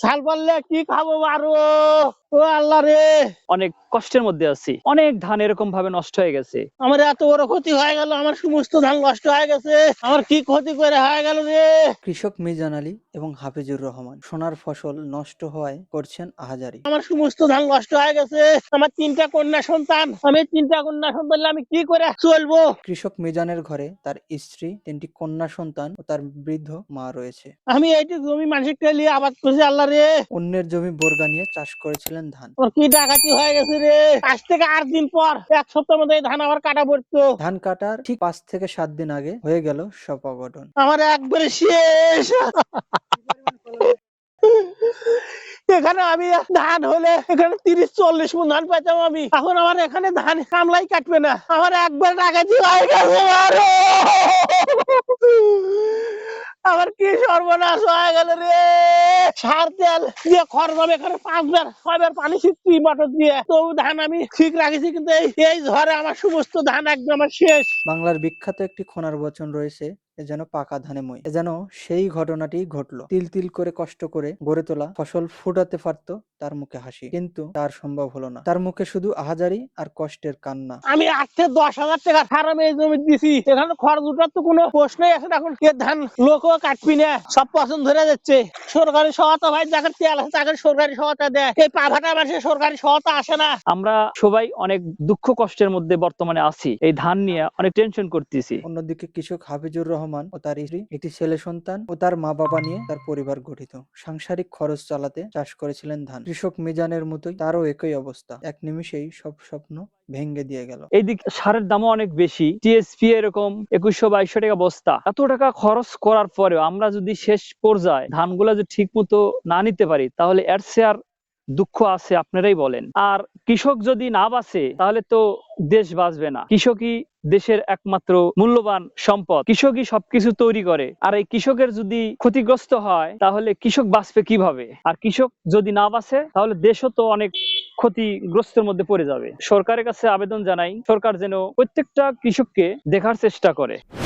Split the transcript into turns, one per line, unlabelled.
ছাল পারলে কি খাবো আরো, ও আল্লাহ রে।
অনেক কষ্টের মধ্যে আছি, অনেক ধান এরকম ভাবে নষ্ট হয়ে গেছে।
আমার এত বড় ক্ষতি হয়ে গেল, আমার সমস্ত ধান নষ্ট হয়ে গেছে, আমার কি ক্ষতি করে হয়ে গেল রে।
কৃষক মিজান আলী এবং হাফিজুর রহমান সোনার ফসল নষ্ট হওয়ায় করছেন আহাজারি।
আমার সমস্ত ধান নষ্ট হয়ে গেছে, আমার 3টা কন্যা সন্তান, আমি 3টা কন্যা সন্তান আমি কি করে চলবো।
কৃষক মিজানের ঘরে তার স্ত্রী, 3টি কন্যা সন্তান ও তার বৃদ্ধ মা রয়েছে।
আমি এইটি জমি মানসিকটা নিয়ে আবাদ করছি, আল্লাহ রে।
অন্যের জমি বোরগা নিয়ে চাষ করেছিলেন ধান।
ওর কি ডাকাতি হয়ে গেছে রে। 5 থেকে 8 দিন পর, 1 সপ্তাহের মধ্যে এই ধান আবার কাটা পড়তো।
ধান কাটার ঠিক 5 থেকে 7 দিন আগে হয়ে গেল সব অঘটন।
আমার একবারে শেষ। এখানে আমি ধান হলে এখানে 30-40 মণ ধান পাইতাম আমি, এখন আমার এখানে ধান কামলাই কাটবে না, আমার একবার ডাকাতি হয়ে গেছে আরো। আমার কি সর্বনাশ হয়ে গেল রে। সার তেল দিয়ে খরচ হবে, এখানে 5বার 6বার পানি ছিটছি মোটর দিয়ে, তো ধান আমি ঠিক রাখেছি, কিন্তু এই ঝড়ে আমার সমস্ত ধান একদম আমার শেষ।
বাংলার বিখ্যাত একটি খোনার বচন রয়েছে, এ যেন পাকা ধানে মই। এ যেন সেই ঘটনাটি ঘটলো। তিল তিল করে কষ্ট করে গড়ে তোলা ফসল ফুটাতে পারত তার মুখে হাসি, কিন্তু তার সম্ভব হলো না। তার মুখে শুধু আহাজারি আর কষ্টের কান্না।
আমি 8 থেকে 10,000 টাকা সার আমি এই জমি দিছি, এখানে খরচ উঠার তো কোনো প্রশ্নই আছে না। এখন কে ধান লোকও কাটবি না, সব পছন্দ ধরে যাচ্ছে। সরকারি সহায়তা ভাই যাকে তেল আছে তাকে সরকারি সহায়তা দেয়, এই পাভাটা মানুষের সরকারি সহায়তা আসে না।
আমরা সবাই অনেক দুঃখ কষ্টের মধ্যে বর্তমানে আছি, এই ধান নিয়ে অনেক টেনশন করতেছি।
অন্যদিকে কৃষক হাফিজুর রহমান ও তার স্ত্রী, একটি ছেলে সন্তান ও তার মা বাবা নিয়ে তার পরিবার গঠিত। সাংসারিক খরচ চালাতে চাষ করেছিলেন ধান। কৃষক মিজানের মতোই তারও একই অবস্থা। এক নিমিষেই সব স্বপ্ন ভেঙে দিয়ে গেল।
এইদিকে সারের দামও অনেক বেশি, টিএসপি এরকম 2100-2200 টাকা বস্তা। এত টাকা খরচ করার পরেও আমরা যদি শেষ পর্যায়ে ধানগুলা যদি ঠিক মতো না নিতে পারি, তাহলে এর চেয়ে আর দুঃখ আছে আপনারাই বলেন। আর কৃষক যদি না বাঁচে তাহলে তো দেশ বাঁচবে না। কৃষকই দেশের একমাত্র মূল্যবান সম্পদ, কৃষকই সবকিছু তৈরি করে। আর এই কৃষকের যদি ক্ষতিগ্রস্ত হয় তাহলে কৃষক বাঁচবে কিভাবে? আর কৃষক যদি না বাঁচে তাহলে দেশও তো অনেক ক্ষতিগ্রস্তের মধ্যে পড়ে যাবে। সরকারের কাছে আবেদন জানাই, সরকার যেন প্রত্যেকটা কৃষককে দেখার চেষ্টা করে।